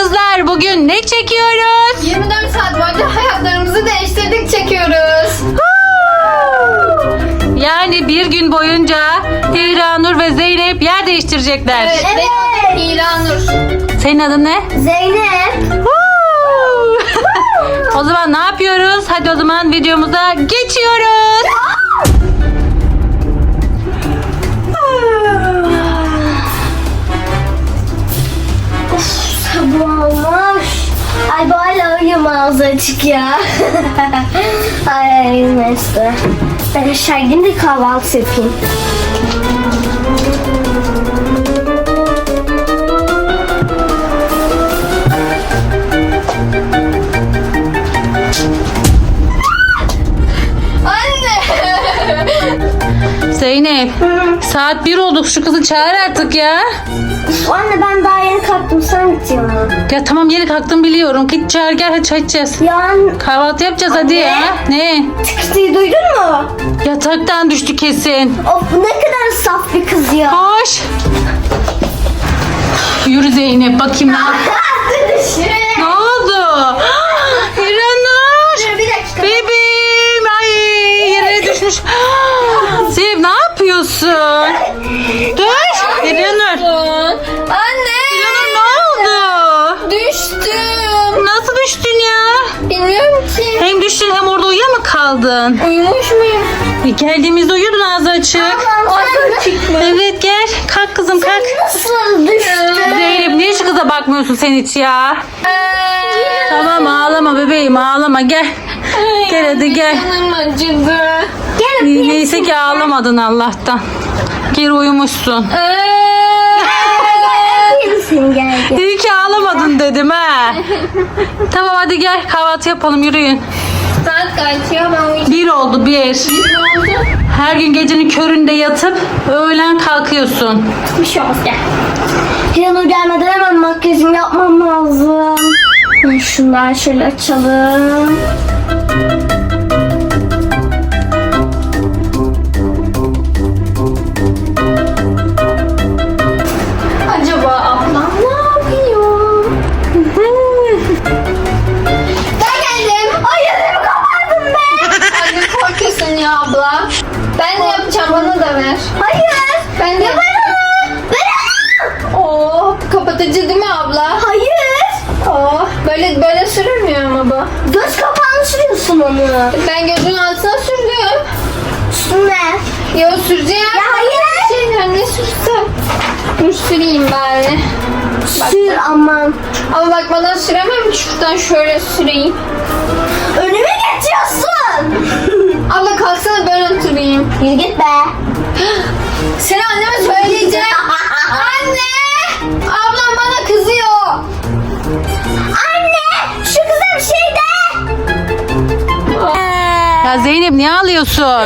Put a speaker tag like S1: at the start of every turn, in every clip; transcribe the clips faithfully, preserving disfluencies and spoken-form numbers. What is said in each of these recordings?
S1: kızlar, bugün ne çekiyoruz?
S2: yirmi dört saat boyunca hayatlarımızı değiştirdik çekiyoruz.
S1: Yani bir gün boyunca Hiranur ve Zeynep yer değiştirecekler.
S2: Evet. Benim adım İlhanur.
S1: Senin adın ne?
S3: Zeynep.
S1: O zaman ne yapıyoruz? Hadi o zaman videomuza geçiyoruz.
S3: Sabah olmuş. Ay bu hala uyum ağzı açık ya. Ay neyse. Ben aşağı gideyim de kahvaltı yapayım.
S1: Zeynep, saat bir olduk, şu kızı çağır artık ya.
S3: Anne ben daha yeni kalktım, sen git ya.
S1: Ya tamam, yeni kalktım biliyorum. Git çağır, gel hadi çay içeceğiz.
S3: Yani
S1: Kahvaltı yapacağız hadi ya. Ne?
S3: tıkırtıyı duydun mu?
S1: Yataktan düştü kesin.
S3: Of ne kadar saf bir kız ya.
S1: Koş. Yürü Zeynep, bakayım ne yap- Ne oldu? Hiranur.
S3: Dur bir dakika.
S1: Bebeğim, ay yere düşmüş. Zeynep ne yapıyorsun? Dur. Hiranur.
S2: Anne.
S1: Hiranur ne oldu?
S2: Düştüm.
S1: Nasıl düştün ya?
S2: Bilmiyorum ki.
S1: Hem düştün hem orada uyuya mı kaldın?
S2: Uyumuş muyum?
S1: E, Geldiğimizde uyuyordun ağzı açık.
S2: Ağzı açık mı?
S1: Evet gel. Kalk kızım kalk.
S3: Nasıl düştün?
S1: Zeynep niye şu kıza bakmıyorsun sen hiç ya? Tamam ağlama bebeğim ağlama gel. Gel hadi gel.
S2: Canım acıdı.
S3: Gel
S1: Neyse ki ağlamadın Allah'tan. Geri uyumuşsun.
S3: öpeyim geldi.
S1: İyi ki ağlamadın dedim ha. Tamam hadi gel kahvaltı yapalım yürüyün.
S2: Saat kaç ya, ben uyuyacağım.
S1: Bir oldu bir.
S2: Ne oldu?
S1: Her gün gecenin köründe yatıp öğlen kalkıyorsun.
S3: Bir şey olmaz gel. Hiranur gelmeden hemen makyajımı yapmam lazım. Şunları şöyle açalım.
S2: Acaba ablam ne yapıyor? Ben geldim. Ay yüzümü kapattım be. Anne korkuyorsun ya abla. Ben de yapacağım, bana da ver.
S3: Hayır.
S2: Ben de yapacağım. Oo, kapatıcı değil mi abla?
S3: Hayır.
S2: Oo, böyle böyle sürülmüyor ama bu.
S3: Göz kapağını sürüyorsun onu.
S2: Ben gözün altına sürdüm.
S3: Üstüne.
S2: Yo süreceğim.
S3: Ya hayır.
S2: Şey, ne sürsem? Dur süreyim bari.
S3: Sür aman.
S2: Ama bakmadan süremem. Şuradan şöyle süreyim.
S3: Önüme geçiyorsun.
S2: Abla kalksana, ben oturayım.
S3: Yürü git be.
S2: Seni anneme söyleyeceğim. Anne! Ablam bana kızıyor.
S3: Anne şu kıza bir şey de.
S1: Ya Zeynep niye ağlıyorsun?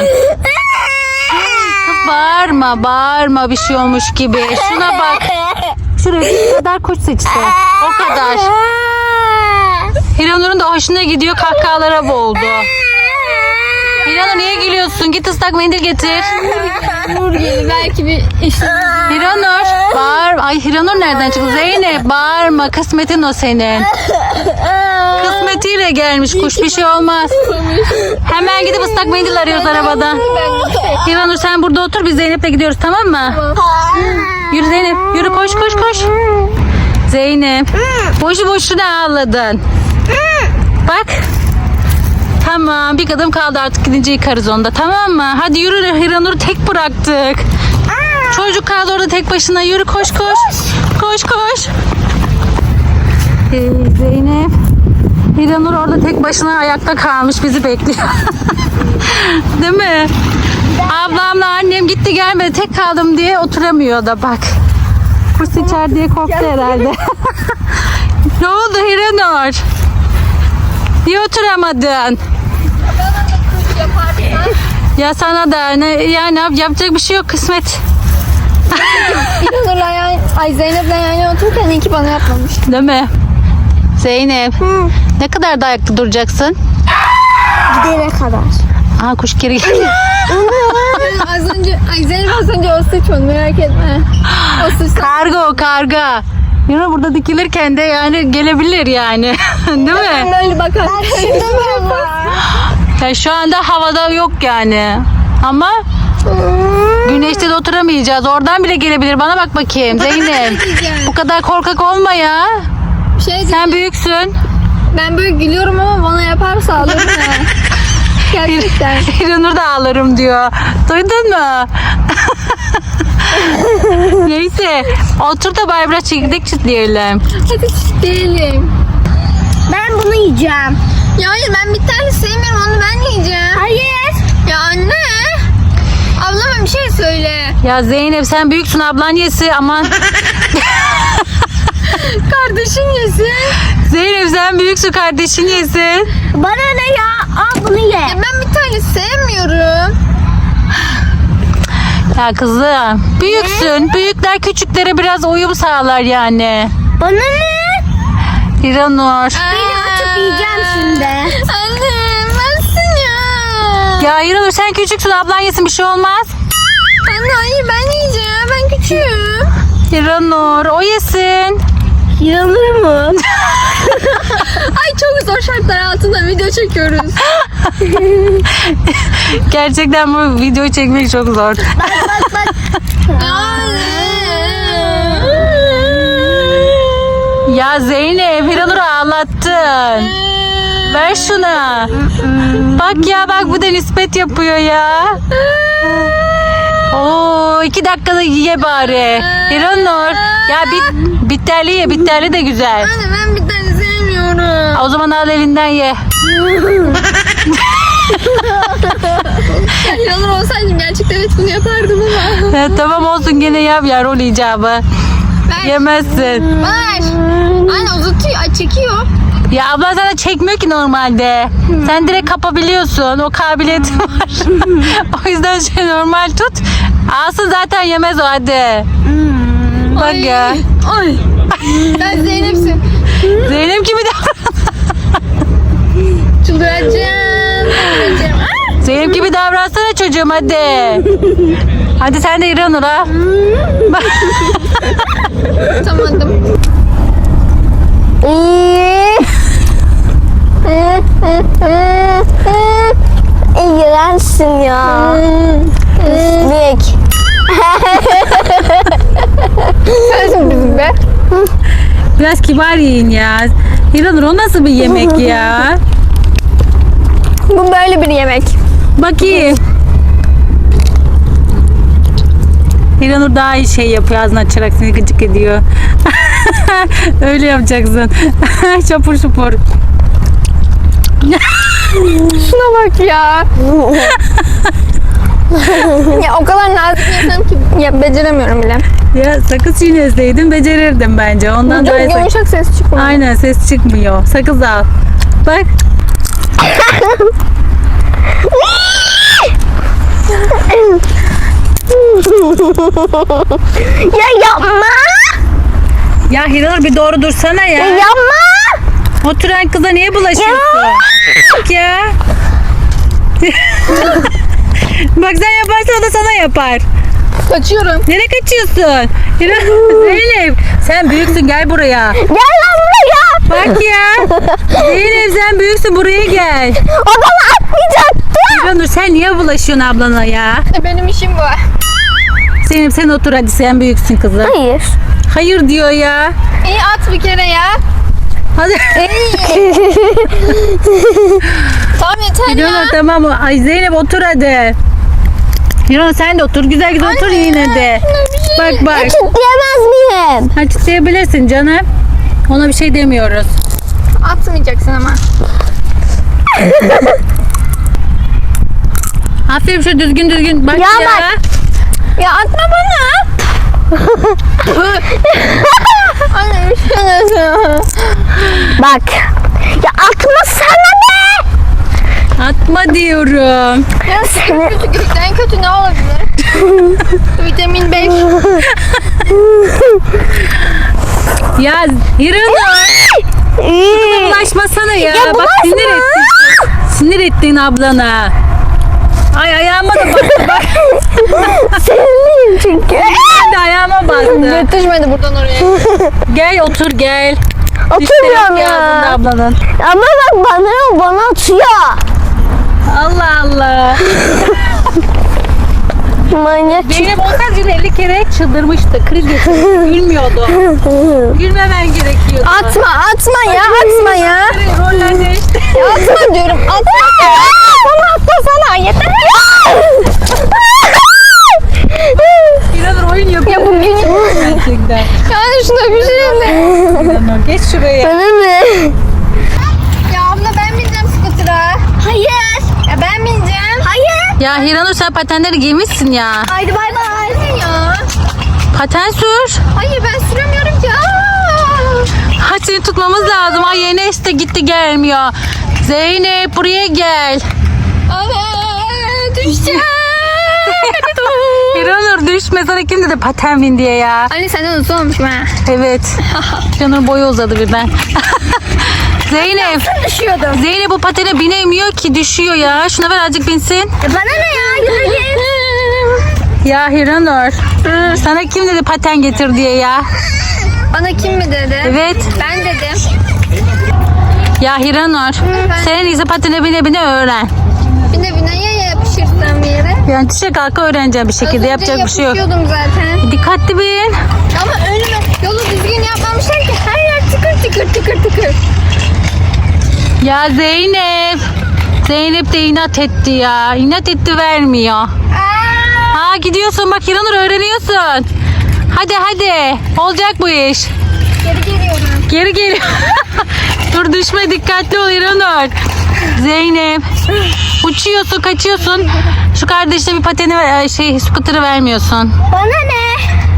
S1: Kız bağırma bağırma bir şey olmuş gibi. Şuna bak. Şuraya bir kadar koş seçti. O kadar. Hiranur'un da hoşuna gidiyor, kahkahalara boğuldu. Hiranur niye gülüyorsun? Git ıslak mendil getir.
S2: Nur gelir belki bir işte.
S1: Hiranur bağır. Ay Hiranur nereden çıktı? Zeynep bağırma, kısmetin o senin. Kısmetiyle gelmiş kuş, bir şey olmaz. Hemen gidip ıslak mendil arıyoruz arabadan. Hiranur sen burada otur, biz Zeynep'le gidiyoruz tamam mı? Yürü Zeynep yürü, koş koş koş. Zeynep boşu boşuna ağladın. Bak. Tamam bir kadın kaldı, artık gidince yıkarız onu da tamam mı? Hadi yürü, Hiranur'u tek bıraktık. Çocuk kaldı orada tek başına, yürü koş koş. Koş koş. Ee, Zeynep. Hiranur orada tek başına ayakta kalmış, bizi bekliyor. Değil mi? Ablamla annem gitti gelmedi, tek kaldım diye oturamıyor da bak. Kuş içer diye korktu herhalde. Ne oldu Hiranur? Niye oturamadın? Ya sana da ne yani, yapacak bir şey yok, kısmet.
S2: İlhanur'la yan, ay Zeynep'le yan yana otururken iyi ki bana yapmamış.
S1: Değil mi? Zeynep. Ne kadar da ayakta duracaksın?
S3: Gidene kadar.
S1: Aa kuş geri geldi.
S2: az önce, ay Zeynep az önce o sıçmadı, merak etme. O sıçtı.
S1: Karga o karga. Yine burada dikilirken de yani gelebilir yani. Değil mi?
S2: Böyle bakar.
S1: Ya şu anda havada yok yani. Ama güneşte de oturamayacağız. Oradan bile gelebilir. Bana bak bakayım Zeynep. Bu kadar korkak olma ya.
S2: Şey,
S1: Sen büyüksün.
S2: ben böyle gülüyorum ama bana yaparsa alırım ha. Gerçekten.
S1: İranur da ağlarım diyor. Duydun mu? Neyse. Otur da bari biraz çekirdek çitleyelim.
S2: Hadi çiftleyelim.
S3: Ben bunu yiyeceğim.
S2: Ya hayır, ben bir tane sevmiyorum, onu ben yiyeceğim.
S3: Hayır.
S2: Ya anne. Ablama bir şey söyle.
S1: Ya Zeynep sen büyüksün, ablan yesi aman.
S2: Kardeşin yesin.
S1: Zeynep sen büyüksün, kardeşin yesin.
S3: Bana ne ya? Al bunu ye.
S2: Ya ben bir tane sevmiyorum.
S1: Ya kızım büyüksün. Büyükler küçüklere biraz uyum sağlar yani.
S3: Bana ne?
S1: İranur.
S3: Beni açıp yiyeceğim şimdi.
S2: Anne bensin ya.
S1: Ya İranur sen küçüksün, ablan yesin, bir şey olmaz.
S2: Anne hayır, ben yiyeceğim. Ben küçüğüm.
S1: İranur o yesin.
S3: Yanır mı?
S2: Ay çok zor şartlar altında video çekiyoruz.
S1: Gerçekten bu videoyu çekmek çok zor.
S3: Bak bak bak.
S1: Ya Zeynep İranur'u ağlattın. Ver şuna. Bak ya bak, bu da nispet yapıyor ya. Oo, iki dakikada ye bari. İranur. Ya bit, bitterli ye, bitterli de güzel.
S2: Anne ben bir tane sevmiyorum.
S1: O zaman al elinden ye.
S2: Yanır olsaydım gerçekten evet bunu yapardım ama.
S1: Ya, tamam olsun, gene yap ya rol icabı.
S2: Ver.
S1: Yemezsin.
S2: Ver. Anne uzatıyor, ay çekiyor.
S1: Ya abla sana çekmiyor ki normalde. Sen direkt kapabiliyorsun. O kabiliyetin var. O yüzden şey normal tut. Alsın zaten, yemez o, hadi. Bak ya.
S2: Ay. Ben Zeynep'sin.
S1: Zeynep gibi davran.
S2: Çıldıracağım. Çıldıracağım. Ah!
S1: Zeynep gibi davransana çocuğum, hadi. Hadi sen de İranur ha.
S2: Tutamadım.
S3: İğrençsin ya. Büyük.
S2: Sensin bizim be.
S1: Biraz kibar yiyin ya. İranur o nasıl bir yemek ya?
S2: Bu böyle bir yemek.
S1: Bakayım. İranur daha iyi şey yapıyor, ağzını açarak seni gıcık ediyor. Öyle yapacaksın. Çapur çupur.
S2: Şuna bak ya. Ya o kadar nazik yesem ki ya beceremiyorum bile.
S1: Ya sakız çiğneseydin becerirdin bence. Ondan daha iyi
S2: Çok
S1: sak-
S2: yumuşak ses çıkmıyor.
S1: Aynen, ses çıkmıyor. Sakız al. Bak.
S3: Ya yapma.
S1: Ya Hiranur bir doğru dursana ya.
S3: Yapma.
S1: Oturan kıza niye bulaşıyorsun? Bak ya. Bak sen yaparsan o da sana yapar.
S2: Kaçıyorum.
S1: Nereye kaçıyorsun? Hiranur, Zeynep sen büyüksün, gel buraya.
S3: Gel lan buraya.
S1: Bak ya. Zeynep sen büyüksün, buraya gel.
S3: O bana atmayacaktı.
S1: Hiranur sen niye bulaşıyorsun ablana ya?
S2: Benim işim bu.
S1: Zeynep sen otur hadi, sen büyüksün kızım.
S3: Hayır.
S1: Hayır diyor ya.
S2: İyi at bir kere ya.
S1: Hadi.
S2: Tamam yeter ya.
S1: Hiranur tamam. Ay Zeynep otur hadi. Hiranur sen de otur. Güzel güzel otur yine de. Bak bak.
S3: Kitleyemez miyim?
S1: Ha, çitleyebilirsin canım. Ona bir şey demiyoruz.
S2: Atmayacaksın ama.
S1: Aferin, şu düzgün düzgün. Bak ya.
S3: Ya bak.
S2: Ya atma bana. Anne bir şey nasıl?
S3: Bak. Ya atma sana be.
S1: Atma diyorum.
S2: Ya kötü kötü en kötü ne olabilir? Vitamin beş.
S1: Ya Hiranur. Bulaşmasana ya.
S3: Ya
S1: Bak
S3: bulaşma.
S1: sinir ettin. Sinir ettin ablana. Ay ayağıma da bak. Bak.
S3: Seninle Düşeyim çünkü.
S1: Ben de ayağıma bastı.
S2: Yetişmedi buradan oraya.
S1: Gel otur gel.
S3: Oturmuyorum
S1: Dişleri yok
S3: ya.
S1: ağzında ablanın.
S3: Ama bak bana bana atıyor.
S1: Allah Allah.
S3: Manyak.
S1: Zeynep olsaydı yine elli kere çıldırmıştı. Kriz geçirdi. Gülmüyordu. Gülmemen gerekiyordu.
S2: Atma atma ya atma ya.
S1: Roller değişti.
S2: Atma diyorum atma. Bana atlasana yeter.
S1: İnanır oyun yapıyor.
S2: Ya bugün
S1: Gerçekten.
S2: yani şuna bir şey de.
S1: İnanır. Geç şuraya.
S3: Bana mı?
S2: Ya abla ben bineceğim skutura.
S3: Hayır.
S2: Ya ben bineceğim.
S3: Hayır.
S1: Ya Hiranur sen patenleri giymişsin ya.
S3: Haydi bay bay.
S2: Ne ya?
S1: Paten sür.
S2: Hayır ben süremiyorum ki. Aa!
S1: Hadi seni tutmamız lazım. Ay Enes de gitti gelmiyor. Zeynep buraya gel.
S2: Ana düşeceğim.
S1: Hiranur düşme, sana kim dedi paten bin diye ya.
S2: Anne senden uzun olmuşum ha.
S1: Evet. Hiranur boyu uzadı birden. Zeynep.
S3: Düşüyordum.
S1: Zeynep bu patene binemiyor ki, düşüyor ya. Şuna ver azıcık binsin.
S3: E bana ne ya? Yürü git.
S1: Ya Hiranur. Sana kim dedi paten getir diye ya.
S2: Bana kim mi dedi?
S1: Evet.
S2: Ben dedim.
S1: Ya Hiranur. Sen en iyisi patene bine bine öğren.
S2: Bine bine ya yapışırsam bir yere.
S1: Yani düşe kalka öğreneceğim bir
S2: Az
S1: şekilde.
S2: önce
S1: Yapacak bir şey yok.
S2: yapışıyordum zaten.
S1: Dikkatli bin.
S2: Ama önüme yolu düzgün yapmamışlar ki her yer tıkır tıkır tıkır tıkır.
S1: Ya Zeynep. Zeynep de inat etti ya. İnat etti, vermiyor.
S2: Aa!
S1: Ha gidiyorsun bak Hiranur, öğreniyorsun. Hadi hadi. Olacak bu iş.
S2: Geri geliyorum.
S1: Geri geliyor. Dur düşme, dikkatli ol Hiranur. Zeynep. Uçuyorsun, kaçıyorsun. Şu kardeşine bir pateni ver- şey skuterı vermiyorsun.
S3: Bana ne?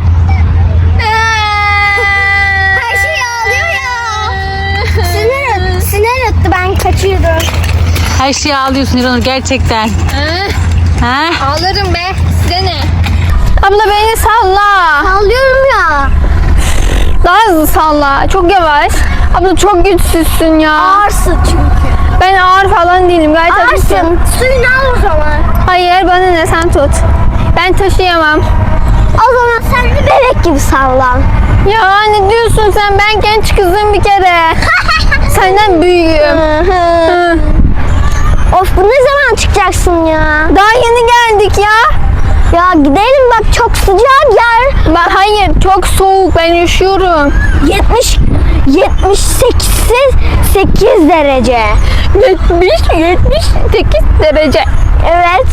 S3: Her şey ağlıyor ya. Sinir, sinir etti, ben kaçıyordum.
S1: Her şeyi ağlıyorsun Hiranur gerçekten.
S2: Ee,
S1: Ha?
S2: ağlarım be. Size ne? Abla beni salla.
S3: Ağlıyorum ya.
S2: Daha hızlı salla. Çok yavaş. Abla çok güçsüzsün ya.
S3: Ağırsın çünkü.
S2: Ben ağır falan değilim. Gayet hafifim.
S3: Ağırsın. Suyunu al o zaman.
S2: Hayır bana ne, sen tut. Ben taşıyamam.
S3: O zaman sen de bebek gibi sallan.
S2: Ya ne diyorsun sen? Ben genç kızım bir kere. Senden büyüğüm. Hı.
S3: Of, bu ne zaman çıkacaksın ya?
S2: Daha yeni geldik ya.
S3: Ya gidelim bak, çok sıcak yer.
S2: Ben, hayır çok soğuk, ben üşüyorum.
S3: yetmiş yetmiş sekiz derece.
S2: yetmiş yetmiş sekiz derece.
S3: Evet.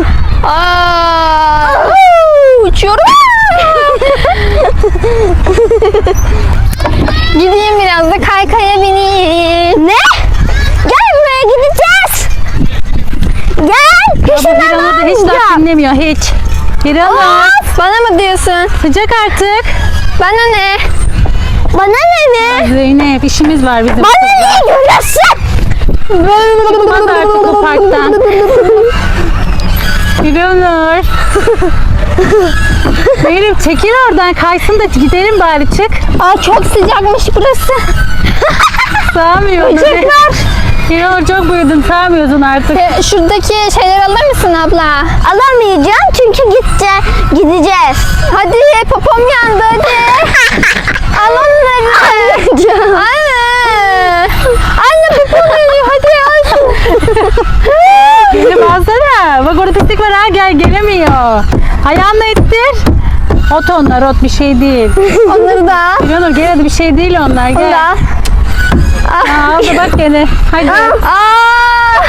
S2: Aa, uçuyorum. Gideyim biraz da kaykaya bineyim.
S3: Ne? Gel buraya, gideceğiz. Gel.
S1: Bu
S3: Peşinden
S1: Hiranur da hiç laf
S3: almayacağım.
S1: dinlemiyor hiç. Hiranur.
S2: Bana mı diyorsun?
S1: Sıcak artık.
S2: Bana ne?
S3: Bana ne mi?
S1: Zeynep işimiz var bizim.
S3: Bana ne görüyorsun?
S1: Çıkmaz artık o parktan. Hiranur. Zeynep çekil oradan, kaysın da gidelim bari, çık.
S2: Aa, çok sıcakmış burası.
S1: Sağmıyor.
S3: Çocuklar.
S1: Hiranur çok büyüdün, sağmıyorsun artık.
S2: E, şuradaki şeyleri alır mısın abla?
S3: Alamayacağım çünkü gitti. Gideceğiz.
S2: Hadi popom yandı hadi. Al onları.
S3: Almayacağım.
S2: Anne. Anne popom yanıyor, hadi al.
S1: Gelip alsana. Bak orada pislik var ha, gel, gelemiyor. Ayağınla ittir. Ot onlar, ot bir şey değil.
S2: Onları da al.
S1: Hiranur gel hadi, bir şey değil onlar,
S2: Onu da
S1: gel.
S2: al.
S1: Aa, al da bak gene. Hadi.
S2: Aa.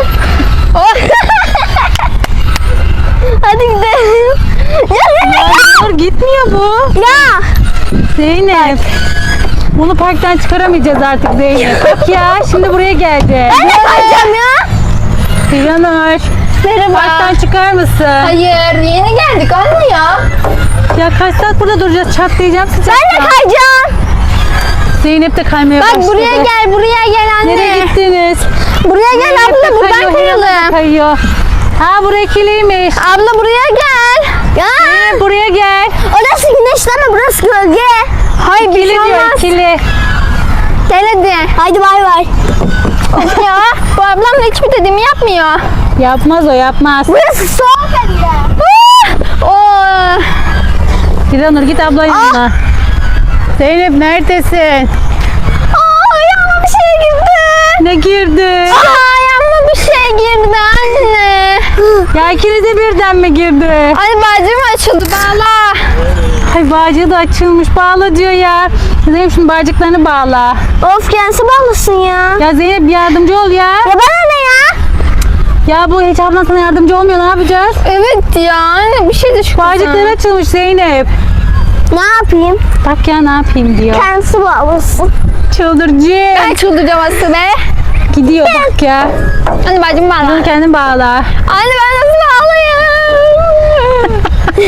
S3: Hadi gidelim. Ya,
S1: Ya Hiranur gitmiyor bu.
S3: ya.
S1: Zeynep. Bunu parktan çıkaramayacağız artık Zeynep. Bak ya, şimdi buraya geldi.
S3: Ben de kayacağım ya.
S1: Hiranur.
S2: Merhaba.
S1: Parktan çıkar mısın?
S2: Hayır, yeni geldik anne ya.
S1: Ya kaç saat burada duracağız? Çatlayacağım sıcaktan.
S3: Ben de kayacağım.
S1: Zeynep de kaymaya
S2: Bak
S1: başladı.
S2: buraya gel, buraya gel anne.
S1: Nereye gittiniz?
S3: Buraya gel
S1: Zeynep de
S3: abla, buradan
S1: kayıyor, Hiranur da
S3: kayalım.
S1: kayıyor. Ha buraya kiliymiş.
S3: Abla buraya gel. Ya.
S1: Zeynep buraya gel.
S3: Orası güneşleme, burası gölge.
S2: Hayır, bir
S1: Kili
S2: şey
S1: diyor,
S2: olmaz.
S1: kili.
S2: Gel hadi.
S3: Haydi bay bay.
S2: Of ya, bu ablam da hiçbir dediğimi yapmıyor.
S1: Yapmaz o, yapmaz.
S3: Burası soğuk hem de.
S2: Oo,
S1: Hiranur git abla yanına. Zeynep neredesin?
S3: Aa, ayağıma bir şey girdi.
S1: Ne girdi?
S3: Aa, ayağıma bir şey girdi anne.
S1: Ya ikinize birden mi girdi?
S3: Ay bacım açıldı bağla.
S1: Ay bağcığı da açılmış. Bağla diyor ya. Zeynep şimdi bağcıklarını bağla.
S3: Of kendisi bağlasın ya.
S1: Ya Zeynep yardımcı ol ya.
S3: Ya bana ne ya?
S1: Ya bu hiç ablan sana yardımcı olmuyor. Ne yapacağız?
S3: Evet ya anne bir şey de şu
S1: Bağcıkları açılmış Zeynep.
S3: Ne yapayım?
S1: Bak ya ne yapayım diyor.
S3: Kendisi bağlasın.
S1: Çıldırıcı.
S3: Ben çıldıracağım aslında be.
S1: Gidiyor bak ya.
S3: Anne bacım bağla.
S1: Bunu kendin bağla.
S3: Anne ben nasıl bağlayayım?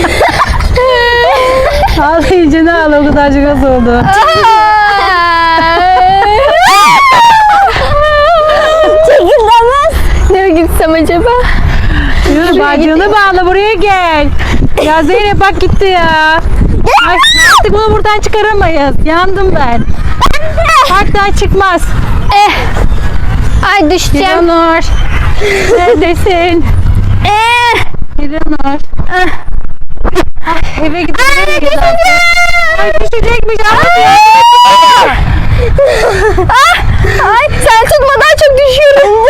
S1: Ağlayınca ne ağla o kadarcık az oldu.
S3: Çekilmez. Nereye gitsem acaba?
S1: Yürü bağcığını bağla buraya gel. Ya Zeynep bak gitti ya. Ay, artık bunu buradan çıkaramayız. Yandım ben. Parktan çıkmaz.
S3: Eh. Ay düşeceğim.
S1: Hiranur. Neredesin?
S3: Eh.
S1: Hiranur. Ay, eve gidemeyiz artık. Ay düşecekmiş. Ay,
S3: Ay sen tutmadan çok düşüyorum.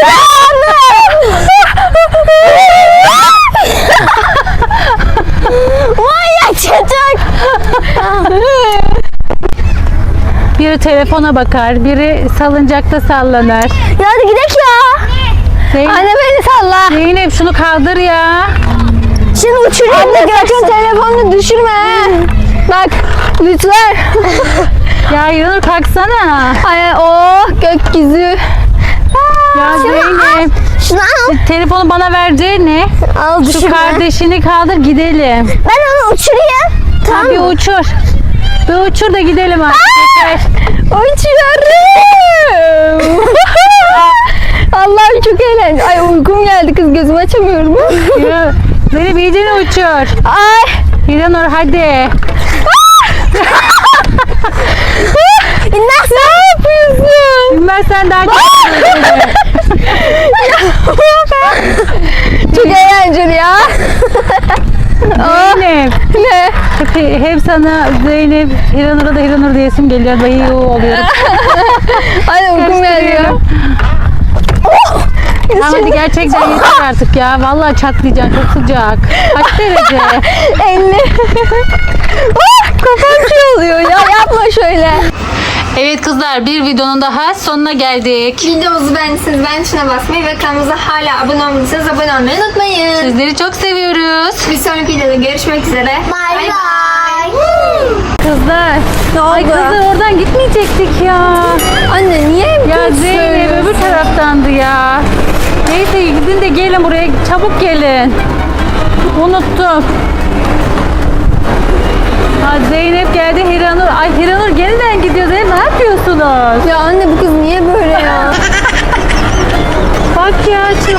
S3: Manyak çocuk.
S1: Biri telefona bakar, biri salıncakta sallanır.
S3: Ya hadi gidelim ya.
S1: Zeynep,
S3: Anne beni salla.
S1: Zeynep şunu kaldır ya.
S3: Şimdi uçurayım da sakın telefonunu düşürme. Bak lütfen.
S1: Ya Hiranur kalksana.
S3: Ay oh gökyüzü.
S1: Ya Zeynep.
S3: Şunu al.
S1: Telefonu bana vereceğine
S3: Al
S1: şu
S3: düşürme.
S1: kardeşini kaldır gidelim.
S3: Ben onu uçurayım.
S1: Tamam. Bir uçur. Bir uçur da gidelim artık. Yeter.
S3: Uçuyorum. Allah'ım çok eğlenceli. Ay uykum geldi kız gözümü açamıyorum.
S1: Yürü. Zeynep iyicene uçur.
S3: Ay.
S1: Hiranur hadi.
S3: İnmez ne yapıyorsun?
S1: Bilmezsen daha çok Zeynep.
S3: Çok eğlenceli ya.
S1: Zeynep.
S3: Ne?
S1: Hep, hep sana Zeynep, Hiranur'a da Hiranur diyesim geliyor. Bayı oluyorum.
S3: Ay uykum geliyor. Oh!
S1: Tamam hadi gerçekten yeter artık ya. Vallahi çatlayacaksın. Çok sıcak. Kaç derece?
S3: elli. Oh, kafam şey oluyor ya yapma şöyle.
S1: Evet kızlar bir videonun daha sonuna geldik.
S2: Videomuzu beğendiyseniz beğen tuşuna basmayı ve kanalımıza hala abone olmadıysanız abone olmayı unutmayın.
S1: Sizleri çok seviyoruz.
S2: Bir sonraki videoda görüşmek üzere.
S3: Bay bay.
S1: Kızlar.
S3: Ne
S1: Ay
S3: oldu?
S1: kızlar oradan gitmeyecektik ya.
S3: Anne niye hep
S1: Ya
S3: kötü
S1: Zeynep
S3: söylüyorsun?
S1: öbür taraftandı ya. Neyse gidin de gelin buraya. Çabuk gelin. Unuttum. Ha, Zeynep geldi Hiranur. Ay Hiranur yeniden gidiyor Zeynep. Ne yapıyorsunuz?
S3: Ya anne bu kız niye böyle ya?
S1: Bak ya